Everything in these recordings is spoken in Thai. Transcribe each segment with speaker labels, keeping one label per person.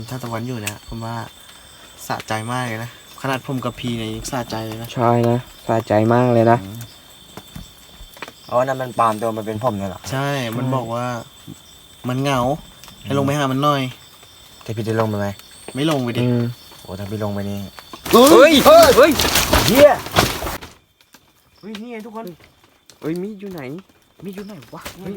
Speaker 1: ถ้าตะวันอยู่เนี่ยผมว่าสะใจมากเลยนะขนาดผมกับพีเนี่ยยังสะใจเลยนะ
Speaker 2: ใช่นะสะใจมากเลยนะ
Speaker 3: อ๋อนั่นมันปลอมตัวมาเป็นผมเนี่ยเหรอ
Speaker 1: ใช่มันบอกว่ามันเหงาให้ลงไปหามันหน่อย
Speaker 3: แต่พี่จะลงไปไหม
Speaker 1: ไม่ลงไปดิ
Speaker 3: โอ้ถ้าพี่ลงไปนี่
Speaker 1: เฮ้ย
Speaker 3: เฮีย
Speaker 1: เฮ้ยนี่ไงทุกคน
Speaker 2: เอ้ยมีดอยู่ไหน
Speaker 1: วะเฮ้ย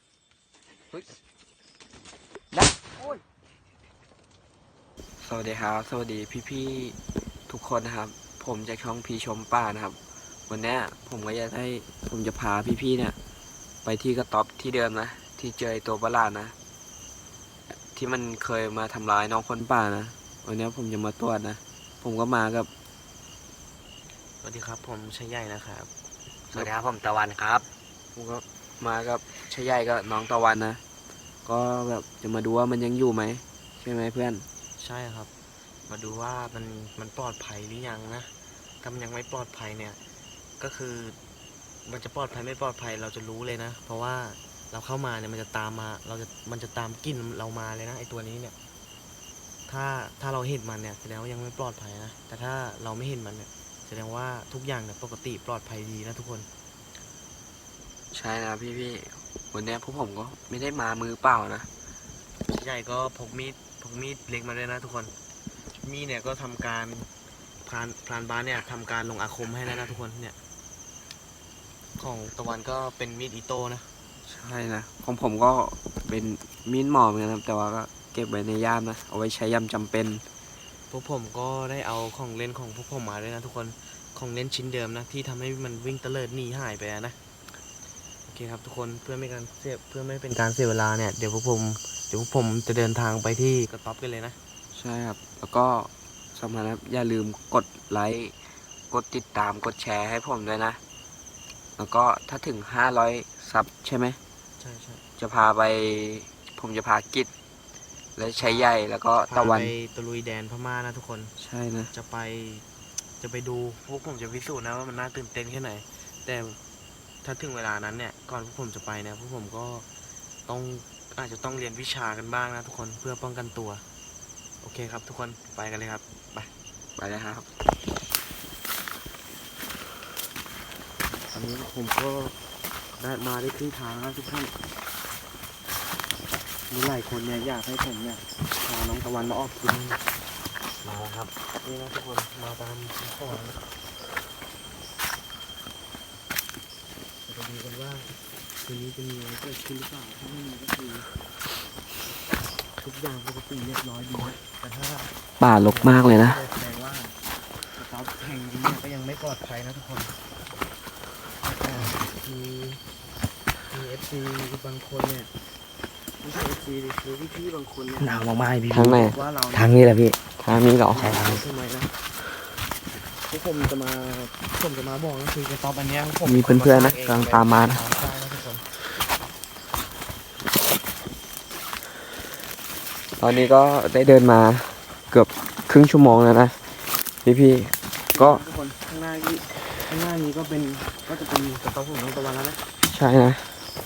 Speaker 2: สวัสดีครับสวัสดีพี่ๆทุกคนนะครับผมจากช่องพีชมป่านะครับวันนี้ผมก็จะพาพี่ๆเนี่ยไปที่กระต๊อบที่เดิมนะที่เจอตัวประหลาดนะที่มันเคยมาทำร้ายน้องคนป่านะวันนี้ผมจะมาตรวจนะผมก็มากับ
Speaker 1: สวัสดีครับผมชัยใหญ่นะครับ
Speaker 3: สวัสดีครับผมตะวันครับ
Speaker 2: ผมก็มากับชายใหญ่กับน้องตะวันนะก็แบบจะมาดูว่ามันยังอยู่ไหมใช่ไหมเพื่อน
Speaker 1: ใช่ครับมาดูว่ามันปลอดภัยหรือยังนะถ้ามันยังไม่ปลอดภัยเนี่ยก็คือมันจะปลอดภัยไม่ปลอดภัยเราจะรู้เลยนะเพราะว่าเราเข้ามาเนี่ยมันจะตามมามันจะตามกลิ่นเรามาเลยนะไอตัวนี้เนี่ยถ้าเราเห็นมันเนี่ยแสดงว่ายังไม่ปลอดภัยนะแต่ถ้าเราไม่เห็นมันเนี่ยแสดงว่าทุกอย่างเนี่ยปกติปลอดภัยดีนะทุกคน
Speaker 2: ใช่นะพี่วันนี้พวกผมก็ไม่ได้มามือเปล่านะ
Speaker 1: ใหญ่ก็พกมีดเล็กมาด้วยนะทุกคนมีดเนี่ยก็ทำการพรานบ้านเนี่ยทำการลงอาคมให้แล้วนะทุกคนเนี่ยของตะวันก็เป็นมีดอิโต้นะ
Speaker 2: ใช่นะของผมก็เป็นมีดหมอเหมือนกันนะแต่ว่าก็เก็บไว้ในย่ามนะเอาไว้ใช้ยามจำเป็น
Speaker 1: พวกผมก็ได้เอาของเล่นของพวกผมมาด้วยนะทุกคนของเล่นชิ้นเดิมนะที่ทำให้มันวิ่งเตลิดหนีหายไปนะโอเคครับทุกคนเพื่อไม่เป็นการเสียเวลาเนี่ยเดี๋ยวพวกผมจะเดินทางไปที่กระต๊อบกันเลยนะ
Speaker 2: ใช่ครับแล้วก็สำคัญนะครับอย่าลืมกดไลค์กดติดตามกดแชร์ให้ผมด้วยนะแล้วก็ถ้าถึง500ซับใช่ไหม
Speaker 1: ใช่
Speaker 2: จะพาไปผมจะพากิจและชัยใหญ่แล้วก็ตะวัน
Speaker 1: ไปตะลุยแดนพม่านะทุกคน
Speaker 2: ใช่นะ
Speaker 1: จะไปดูพวกผมจะพิสูจน์นะว่ามันน่าตื่นเต้นแค่ไหนแต่ถ้าถึงเวลานั้นเนี่ยก่อนพวกผมจะไปเนี่ยพวกผมก็อาจจะต้องเรียนวิชากันบ้างนะทุกคนเพื่อป้องกันตัวโอเคครับทุกคนไปกันเลยครับ
Speaker 2: ไปเลยครับ
Speaker 1: ตอนนี้ผมก็ได้มาได้ครึ่งทางแล้วทุกท่านมีหลายคนเนี่ยอยากให้ผมเนี่ยพาน้องตะวันมาออกกินมาแล้วครับนี่นะทุกคนมาตามข้อนะจะดูกันว่าคืนนี้จะมีอะไรเกิดขึ้นหรือเปล่าถ้าไม่มีก็คือทุกอย่างปกติเรียบร้อยดีนะแต่ถ้า
Speaker 2: ป่ารกมากเลยนะ
Speaker 1: แสดงว่าสต๊อปแห่งนี้เนี่ยก็ยังไม่ปลอดภัยนะทุกคนมีเอฟซีบางคนเนี่ยไม่ใช่เอฟซีดิคือพี่บางคนเนี่ย
Speaker 3: หนาวมากๆพี่
Speaker 2: ทางไหน
Speaker 3: ทางนี้แหละพี่
Speaker 2: ทางนี้เหรอ
Speaker 3: ใช่ครับ
Speaker 1: ทำไมนะพวกผมจะมาบอกก็คือกระต๊อบอันเนี้ย
Speaker 2: มีเพื่อนๆนะกำลังตามมานะตอนนี้ก็ได้เดินมาเกือบครึ่งชั่วโมงแล้วนะพี่ก็
Speaker 1: ทุกคนข้างหน้านี้ก็จะเป็นกระต๊อบของน้องตะวันแล้วนะ
Speaker 2: ใช่นะ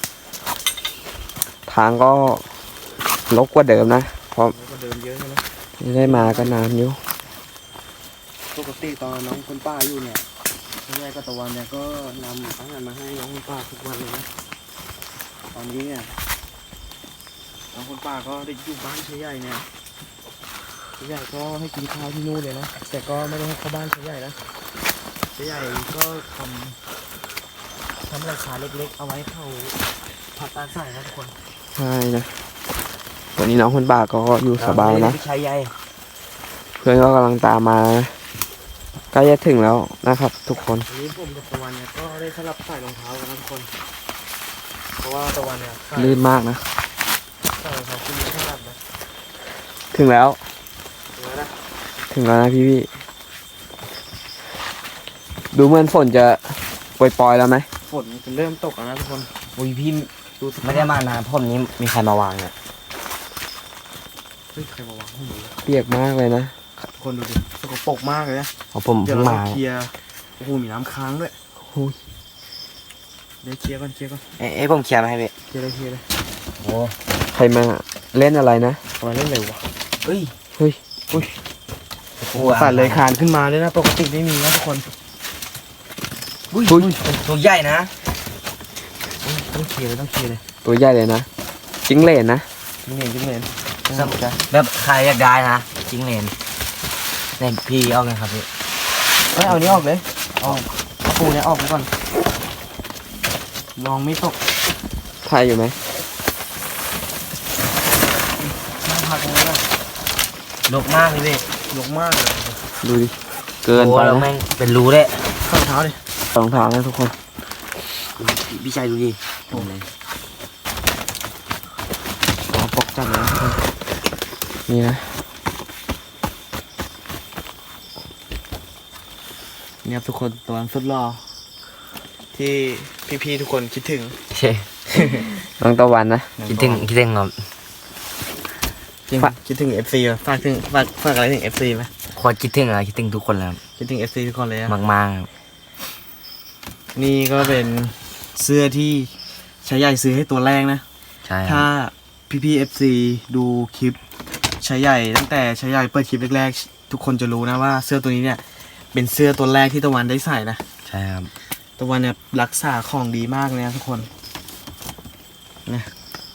Speaker 2: ทางก็รกกว่าเดิมนะเพราะ
Speaker 1: เดิมเยอะใช่ไหม
Speaker 2: ได้มาก็นานอยู่
Speaker 1: ปกติตอนน้องคนป้าอยู่เนี่ยคุณยายกับตะวันเนี่ยก็นำอาหารมาให้น้องคนป้าทุกวันเลยนะตอนนี้เนี่ยน้องคนป้าก็ได้อยู่บ้านเฉยใหญ่เนี่ยเฉยใหญ่ก็ให้กินข้าวที่นู่นเลยนะแต่ก็ไม่ได้ให้เข้าบ้านเฉยใหญ่นะเฉยใหญ่ก็ทำราคาเล็กๆเอาไว้เขาผัดตาใส่นะทุกคน
Speaker 2: ใช่นะวันนี้น้องคนป่าก็อยู่สบายนะเพื่อนก็กำลังตามมาใกล้จะถึงแล้วนะครับทุกคน
Speaker 1: วันนี้ผมกับตะวันเนี่ยก็ได้สลับใส่รองเท้ากันนะทุกคนเพราะว่าตะวันเนี่ย
Speaker 2: ลื่นมากนะ
Speaker 1: ใส่รองเท้าคู่นี้สลับนะ
Speaker 2: ถึงแล้ว
Speaker 1: นะ
Speaker 2: พี่ดูเหมือนฝนจะปล่อยๆแล้วไหม
Speaker 1: ฝนจะเริ่มตกแล้วนะทุกคน
Speaker 3: อุ้ยพี่ไม่ได้มานานผมนี้มีใครมาวางเนี่ย
Speaker 1: เฮ้ยใครมาวางห้องนี้
Speaker 2: เปียกมากเลยนะ
Speaker 1: คนดูดิสกปรกมากเลยนะ
Speaker 3: ผม
Speaker 1: เดี๋ยว
Speaker 3: เรา
Speaker 1: เคลียร์โอ้โหมีน้ำค้างด้วยเดี๋ยวเคลียร์ก่อน
Speaker 3: ผมเคลียร์มาให้พี่
Speaker 1: เคลียร์เลย
Speaker 3: โอ้
Speaker 2: ใครมาเล่นอะไรนะ
Speaker 1: มาเล่นอะไรวะ
Speaker 3: เฮ้ย
Speaker 2: เฮ้ย
Speaker 1: สัตว์เลยคลานขึ้นมาด้วยนะปกติไม่มีนะทุกคน
Speaker 3: อุ้ย
Speaker 2: อุ้ย
Speaker 3: ตัวใหญ่นะ
Speaker 1: ต้องเคลียร์เลยต้องเคลียร์เลย
Speaker 2: ตัวใหญ่เลยนะจิ้งเหลนนะ
Speaker 1: จิ้งเหลน
Speaker 3: แบบใครอยากได้นะจิ้งเหลนเนี่ยพี่เอาไงครับพี่
Speaker 1: เอานี้ออกเลยเอาปูเนี่ยออกไปก่อนลองไม่ตก
Speaker 2: ถ่ายอยู่ไหม
Speaker 1: น่าพักตรงนี้นะ
Speaker 3: ลกมากเลยพี่
Speaker 1: ยกมากเลย
Speaker 2: ดูดิเกิน
Speaker 3: โอ้
Speaker 2: ไป
Speaker 3: แล้ว
Speaker 2: นะ
Speaker 3: แม่งเป็นรูเลย
Speaker 1: ข้างเท้าดิ
Speaker 2: รองเท้านะทุกคน
Speaker 3: พี่ชายดูดิโอ้เลย
Speaker 2: ขอปกจับเลยนะทุกคนนี่นะ
Speaker 1: เนี่ยทุกคนตัวสุดหล่อที่พี่ๆทุกคนคิดถึง
Speaker 3: ใช่
Speaker 2: น้องตะวันนะ
Speaker 3: คิดถึงครับ
Speaker 1: จริงคิดถึง FC อ่ะฝากอะไรถึง FC ไหม
Speaker 3: โคตรคิดถึงคิดถึงทุกคนเลยครับ
Speaker 1: คิดถึง FC ทุกคนเลยอะ
Speaker 3: มากๆครับ
Speaker 1: นี่ก็เป็นเสื้อที่ชายใหญ่ซื้อให้ตัวแรกนะ
Speaker 3: ใช่ค
Speaker 1: ถ้า
Speaker 3: รับ
Speaker 1: พี่ๆ FC ดูคลิปชายใหญ่ตั้งแต่ชายใหญ่เปิดคลิปแรกๆทุกคนจะรู้นะว่าเสื้อตัวนี้เนี่ยเป็นเสื้อตัวแรกที่ตะวันได้ใส่นะ
Speaker 3: ใช่ครับ
Speaker 1: ตะวันเนี่ยรักษาของดีมากเลยนะทุกคนนะ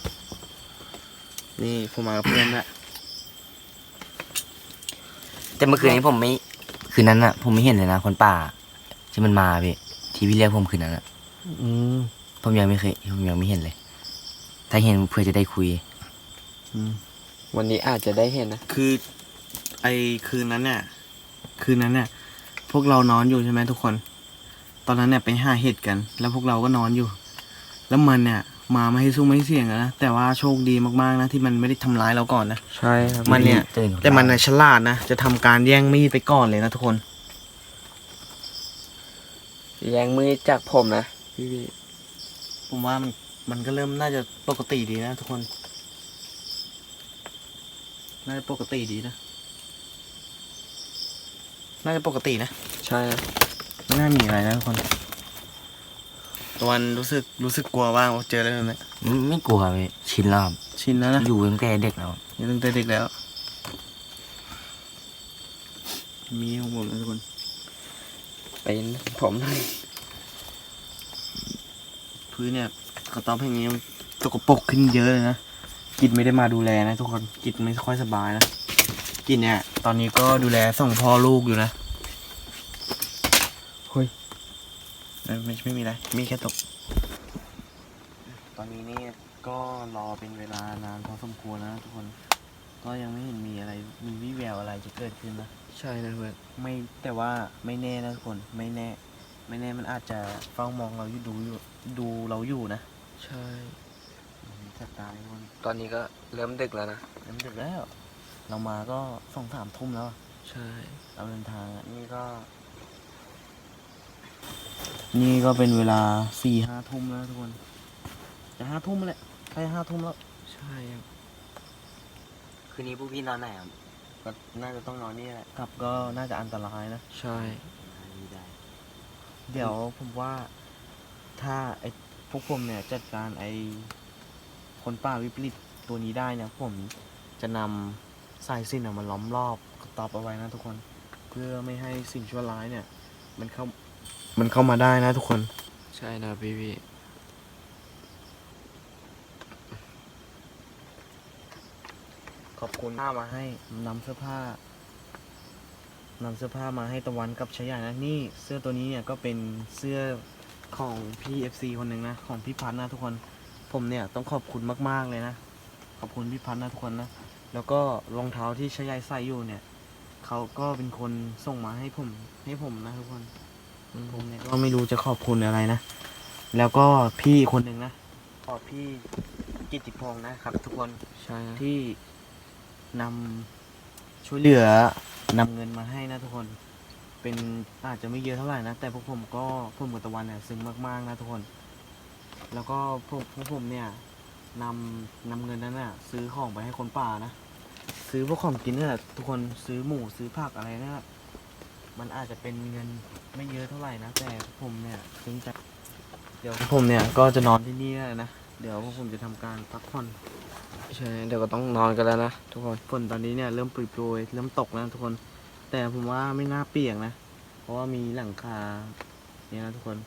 Speaker 1: นี่ผมมากับเพื่อนละ
Speaker 3: แต่เมื่อคืนนี้คืนนั้นอะผมไม่เห็นเลยนะคนป่าที่มันมาพี่ที่พี่เรียกผมคืนนั้นอะ
Speaker 1: อืม
Speaker 3: ผมยังไม่เห็นเลย ถ้าเห็นเพื่อจะได้คุย
Speaker 2: วันนี้อาจจะได้เห็นนะ
Speaker 1: คือไอคืนนั้นเนี่ยพวกเรานอนอยู่ใช่ไหมทุกคน ตอนนั้นเนี่ยไปหาเห็ดกัน แล้วพวกเราก็นอนอยู่ แล้วมันเนี่ยมาไม่ให้สู้ไม่ให้เสี่ยงอะนะแต่ว่าโชคดีมากๆนะที่มันไม่ได้ทำร้ายเราก่อนนะ
Speaker 2: ใช่ครับ
Speaker 1: มันเนี่ย
Speaker 3: ตื่น
Speaker 1: แต่มันน่ะฉลาดนะจะทำการแย่งมีดไปก่อนเลยนะทุกคน
Speaker 2: แย่งมือจากผมนะพี่
Speaker 1: ผมว่ามันก็เริ่มน่าจะปกติดีนะทุกคน น่าจะปกติดีนะ น่าจะปกตินะ
Speaker 2: ใช่ครับ
Speaker 1: ไม่น่ามีอะไรนะทุกคนตะวันรู้สึกกลัวบ้างว่าเจออะไรแบบนี้
Speaker 3: ไม่กลัวพี่ชินแล้วครับ
Speaker 1: ชินแล้วนะ
Speaker 3: อยู่ตั้งแต่เด็กแล้ว
Speaker 1: อยู่ตั้งแต่เด็กแล้ว มีของผมนะทุกคน
Speaker 2: เป็นผมหน่อย
Speaker 1: พื้นเนี่ยกระต๊อบแห่งนี้มันสกปรกขึ้นเยอะเลยนะกิจไม่ได้มาดูแลนะทุกคนกิจไม่ค่อยสบายนะกิจเนี่ยตอนนี้ก็ดูแลส่งพ่อลูกอยู่นะเฮ้ยไม่มีอะไรมีแค่ตก ตอนนี้นี่ก็รอเป็นเวลานานพอสมควรนะทุกคน ก็ยังไม่เห็นมีอะไรมีวี่แววอะไรจะเกิดขึ้นนะ
Speaker 2: ใช่นะเพื่อน
Speaker 1: ไม่แต่ว่าไม่แน่นะทุกคนไม่แน่มันอาจจะเฝ้ามองเราอยู่ดูเราอยู่นะ
Speaker 2: ใช่
Speaker 1: จับตาทุกคน
Speaker 2: ตอนนี้ก็เริ่มดึกแล้วนะ
Speaker 1: เริ่มดึกแล้ว เรามาก็2-3 ทุ่มแล้วอะ
Speaker 2: ใช่
Speaker 1: เราเดินทางอะนี่ก็เป็นเวลา4-5 ทุ่มแล้วทุกคนจะ5 ทุ่มแล้วใกล้5 ทุ่มแล้ว
Speaker 2: ใช่ครับ
Speaker 3: คืนนี้พวกพี่นอนไหนครับ
Speaker 1: ก็น่าจะต้องนอนนี่แหละกลับก็น่าจะอันตรายนะ
Speaker 2: ใช่
Speaker 1: เดี๋ยวผมว่าถ้าไอ้พวกผมเนี่ยจัดการไอ้คนป่าวิปริตตัวนี้ได้เนี่ยผมจะนำสายสิญจน์มาล้อมรอบกระต๊อบเอาไว้นะทุกคน เพื่อไม่ให้สิ่งชั่วร้ายเนี่ย มันเข้ามาได้นะทุกคน
Speaker 2: ใช่นะพี่
Speaker 1: ขอบคุณมาให้นำเสื้อผ้ามาให้ตะวันกับชายานะนี่เสื้อตัวนี้เนี่ยก็เป็นเสื้อของพี่ FC คนหนึ่งนะของพี่พัฒน์นะทุกคนผมเนี่ยต้องขอบคุณมากๆเลยนะขอบคุณพี่พัฒน์นะทุกคนนะแล้วก็รองเท้าที่ชายาใส่อยู่เนี่ยเขาก็เป็นคนส่งมาให้ผมนะทุกคนผมเนี่ยก็ไม่รู้จะขอบคุณอะไรนะแล้วก็พี่คนหนึ่งนะขอบพี่กิตติพงษ์นะครับทุกคน
Speaker 2: ใช่นะ
Speaker 1: ที่นำช่วยเหลือนำเงินมาให้นะทุกคน เป็นอาจจะไม่เยอะเท่าไหร่นะ แต่พวกผมกับตะวันเนี่ยซึ้งมากๆนะทุกคน แล้วก็พวกผมเนี่ยนำเงินนั้นน่ะซื้อของไปให้คนป่านะ ซื้อพวกของกินนี่แหละทุกคนซื้อหมูซื้อผักอะไรนะมันอาจจะเป็นเงินไม่เยอะเท่าไหร่นะ แต่ผมเนี่ยซึ้งใจเดี๋ยวผมเนี่ยก็จะนอนที่นี่แล้วนะเดี๋ยวพวกผมจะทำการพักผ่อน
Speaker 2: ใช่ เดี๋ยวก็ต้องนอนกันแล้วนะทุกคน
Speaker 1: ฝนตอนนี้เนี่ยเริ่มปรยๆเริ่มตกแล้วนะทุกคน แต่ผมว่าไม่น่าเปียกนะ เพราะว่ามีหลังคาเนี่ยนะทุกคน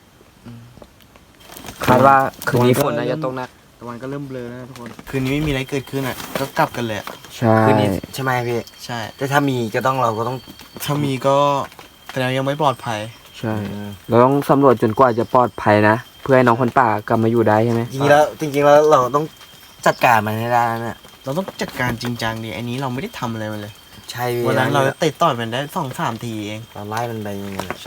Speaker 2: คาดว่าคืนนี้ฝนน่าจะตกหนัก
Speaker 1: ตะวันก็เริ่มเบลอแล้วนะทุกคน คืนนี้ไม่มีอะไรเกิดขึ้นอ่ะ ก็กลับกันเลยอะ
Speaker 2: ใช่
Speaker 3: คืนนี้ใช่ไหมพี่
Speaker 1: ใช่
Speaker 3: แต่ถ้ามีก็ต้องเราก็ต้อง
Speaker 1: ถ้ามีก็แต่ยังไม่ปลอดภัย
Speaker 2: ใช่ เราต้องสำรวจจนกว่าจะปลอดภัยนะ เพื่อให้น้องคนป่ากลับมาอยู่ได้ใช่ไหม
Speaker 3: จริงๆแล้วเราต้องจัดการมันให้ได้นะ
Speaker 1: เราต้องจัดการจริงจังดิอันนี้เราไม่ได้ทำอะไรมันเลย
Speaker 3: ใช่พี่
Speaker 1: วันนั้นเราเตะต่อยมันได้2-3 ทีเอง
Speaker 3: เราไล่มันไปยังไง
Speaker 1: ใช่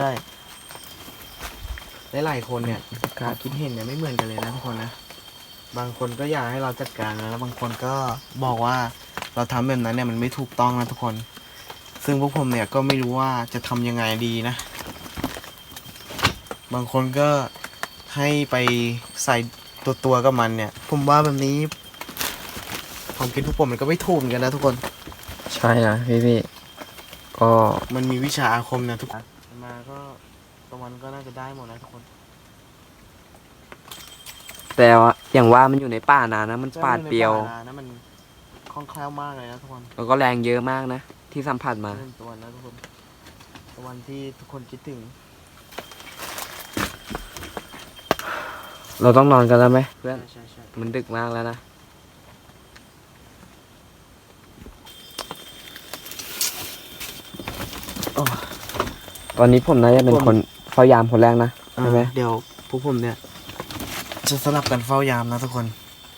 Speaker 1: หลายๆคนเนี่ยความคิดเห็นเนี่ยไม่เหมือนกันเลยนะทุกคนนะ บางคนก็อยากให้เราจัดการนะแล้วบางคนก็บอกว่าเราทำแบบนั้นเนี่ยมันไม่ถูกต้องนะทุกคน ซึ่งพวกผมเนี่ยก็ไม่รู้ว่าจะทำยังไงดีนะ บางคนก็ให้ไปใส่ตัวกับมันเนี่ย ผมว่าแบบนี้ความคิดพวกผมมันก็ไม่ถูกเหมือนกันนะทุกคน
Speaker 2: ใช่นะพี่ก็
Speaker 1: มันมีวิชาอาคมนะทุกคนมาก็ตะวันก็น่าจะได้หมดนะทุกคน
Speaker 2: แต่ว่าอย่างว่ามันอยู่ในป่านานนะ มันปาดเปรียว
Speaker 1: ใช่ในป่านะมันคล่องแคล่วมากเลยนะทุกคน
Speaker 2: แล้วก็แรงเยอะมากนะ ที่สัมผัสมา
Speaker 1: เรื่องตะวันนะทุกคนตะวันที่ทุกคนคิดถึง
Speaker 2: เราต้องนอนกันแล้วไหมเพื่อน
Speaker 1: ใช่ใช่
Speaker 2: มันดึกมากแล้วนะ ตอนนี้ผมน่าจะเป็นคนเฝ้ายามคนแรกนะใช่ไหม
Speaker 1: เดี๋ยวพวกผมเนี่ยจะสลับกันเฝ้ายามนะทุกคน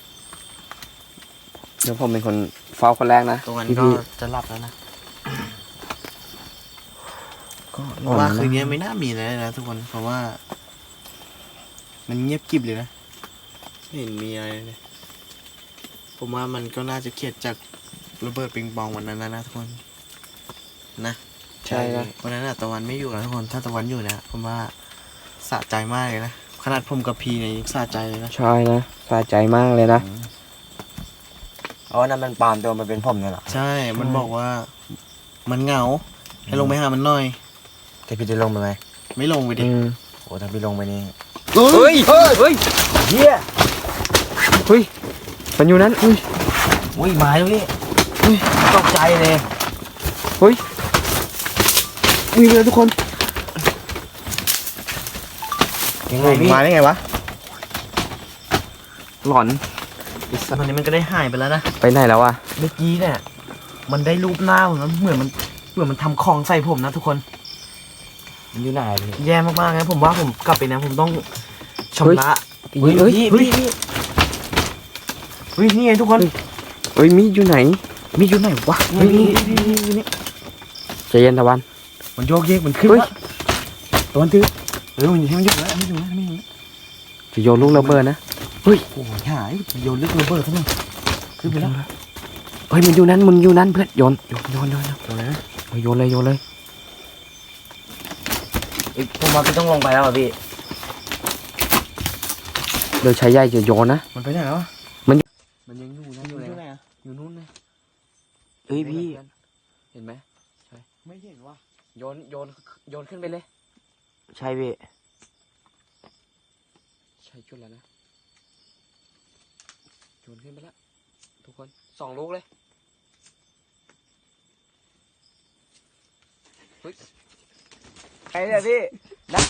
Speaker 2: เดี๋ยวผมเป็นคนเฝ้าคนแรกนะ
Speaker 1: ตะวัน
Speaker 2: พี่
Speaker 1: ก็จะหลับแล้วนะ
Speaker 2: ก็
Speaker 1: เพราะว่าคืนนี้ไม่น่ามีอะไรเลยนะทุกคนเพราะว่า มันเงียบกริบเลยนะไม่เห็นมีอะไรเลย ผมว่ามันก็น่าจะเครียดจากระเบิดปิงปองวันนั้นนะทุกคนนะ
Speaker 2: ใช่นะ
Speaker 1: วันนั้นอะตะวันไม่อยู่นะทุกคนถ้าตะวันอยู่นะผมว่าสะใจมากเลยนะขนาดผมกับพีเนี่ยยังสะใจเลยนะ
Speaker 2: ใช่นะสะใจมากเลยนะ
Speaker 3: เพราะว่านั่นมันปลอมตัวมาเป็นผมเนี่ยเหรอ
Speaker 1: ใช่มันบอกว่า มันเหงาให้ลงไปหามันหน่อย
Speaker 3: แต่พี่ได้ลงไปไหม
Speaker 1: ไม่ลงไปดิ
Speaker 3: โอ้ถ้าพี่ลงไปนี่
Speaker 2: เฮ้ย เฮ้ย
Speaker 3: เฮีย
Speaker 2: เฮ้ย มันอยู่นั้นอุ้ย
Speaker 3: อุ้ยมาแล้วพี่ตกใจเลย
Speaker 2: เฮ้ยวิ่งเลยทุกคน
Speaker 3: ยังไงพี่
Speaker 1: มาได้ไงวะ
Speaker 2: หลอน
Speaker 1: ตอนนี้มันก็ได้หายไปแล้วนะ
Speaker 2: ไปไหนแล้วอะ
Speaker 1: เมื่อกี้เนี่ยมันได้รูปหน้าผมนะเหมือนมันทำของใส่ผมนะทุกคน
Speaker 3: มันอยู่ไหนพี่
Speaker 1: แย่มากๆนะผมว่าผมกลับไปนะผมต้องชำระ
Speaker 2: เฮ้ยเฮ้ย
Speaker 1: เฮ้ยนี่ไงทุกคน
Speaker 2: เฮ้ยมีดอยู่ไหน
Speaker 1: มีอยู่ไหนวะ
Speaker 2: เฮ้ย
Speaker 1: นี่
Speaker 2: ใจเย็นตะวัน
Speaker 1: มันโยกเยกมันขึ้น
Speaker 2: เฮ้ย
Speaker 1: วะตัวมันตื้อมันอยู่แล้วมันอยู่แล้ว
Speaker 2: จะโยนลูกระเบิดนะ
Speaker 1: โอ้ยหายโยนลึกระเบิดซะหน่อยขึ้นไปแล้ว
Speaker 2: เฮ้ยมันอยู่นั้นเพื่อนโยน
Speaker 1: ตัวไหนนะ
Speaker 2: โยนเลย
Speaker 3: ผมว่าพี่ต้องลงไปแล้วอ่ะพี่
Speaker 2: เดี๋ยวชายใหญ่จะโยนนะ
Speaker 1: มันไปไหนแล้ว
Speaker 2: มัน
Speaker 1: ยังอยู่นะอยู่ไหนอะอยู่นู่นนะ
Speaker 2: เฮ้ยพี่ เห็นไหม
Speaker 1: ไม่เห็นว่ะ
Speaker 2: โยนขึ้นไปเลย
Speaker 3: ใช่พี่
Speaker 2: ใช่จุดแล้วนะโยนขึ้นไปแล้วทุกคน2 ลูกเลยเฮ้ย
Speaker 3: ไอ้เนี่ยพี่นะ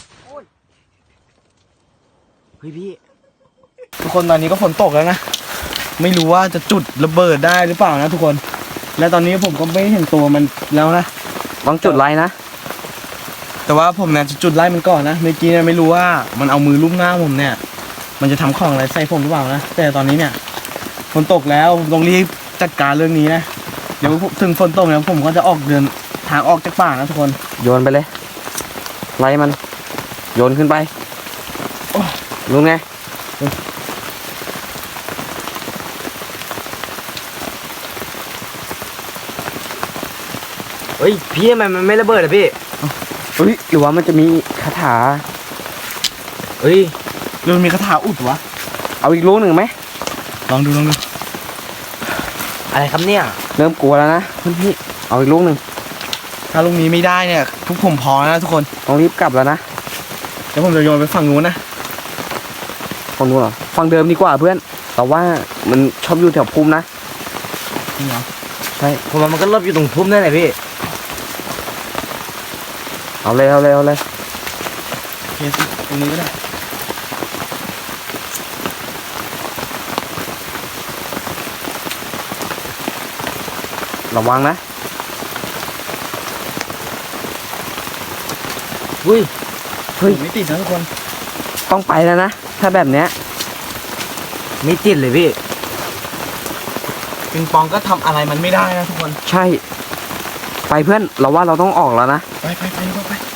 Speaker 3: เฮ้ยพี่
Speaker 1: ทุกคนตอนนี้ก็ฝนตกแล้วนะไม่รู้ว่าจะจุดระเบิดได้หรือเปล่านะทุกคน และตอนนี้ผมก็ไม่เห็นตัวมันแล้วนะ
Speaker 2: ต้องจุดไลน์นะ
Speaker 1: แต่ว่าผมเนี่ยจะจุดไล่มันก่อนนะเมื่อกี้เนี่ยไม่รู้ว่ามันเอามือลูบหน้าผมเนี่ย มันจะทำของอะไรใส่ผมหรือเปล่านะแต่ตอนนี้เนี่ยฝนตกแล้วผมต้องรีบจัดการเรื่องนี้นะเดี๋ยวถึงฝนตกแล้วผมก็จะออกเดินทางออกจากป่านะทุกคน
Speaker 2: โยนไปเลยไล่มันโยนขึ้นไป
Speaker 1: โอ้
Speaker 2: รู้ไง
Speaker 3: เฮ้ยพี่ทำไมมันไม่ระเบิดอ่ะพี่
Speaker 2: เฮ้ยหรือว่ามันจะมีคาถา
Speaker 3: เฮ้ย
Speaker 1: เรื่องมีคาถาอุดวะ
Speaker 2: เอาอีกลูกหนึ่งไหม
Speaker 1: ลองดู
Speaker 3: อะไรครับเนี่ย
Speaker 2: เริ่มกลัวแล้วนะเพื่อนพี่เอาอีกลูกหนึ่ง
Speaker 1: ถ้าลูกนี้ไม่ได้เนี่ยทุกผมพอแล้วนะทุกคน
Speaker 2: ต้องรีบกลับแล้วนะ
Speaker 1: เดี๋ยวผมจะโยนไปฝั่งนู้นนะ
Speaker 2: ฝั่งนู้นเหรอฝั่งเดิมดีกว่าเพื่อน
Speaker 1: ฟ
Speaker 2: แต่ว่ามันชอบอยู่แถวพุ่มนะ
Speaker 1: จริงเหรอ
Speaker 3: ใช่ผมว่ามันก็หลบอยู่ตรงพุ่มนั่นแหละพี่
Speaker 2: เอาเลยเอาเลยเอาเลย
Speaker 1: เคสตรงนี้ก็ได้
Speaker 2: ระวังนะ
Speaker 3: อุ้ย
Speaker 2: เฮ้ย
Speaker 1: ไม่ติดนะทุกคน
Speaker 2: ต้องไปแล้วนะ ถ้าแบบเนี้ย
Speaker 3: ไม่ติดเลยพี่
Speaker 1: ปิงปองก็ทำอะไรมันไม่ได้นะทุกคน
Speaker 2: ใช่ ไปเพื่อน เราว่าเราต้องออกแล้วนะ
Speaker 1: ไปดีกว่าไป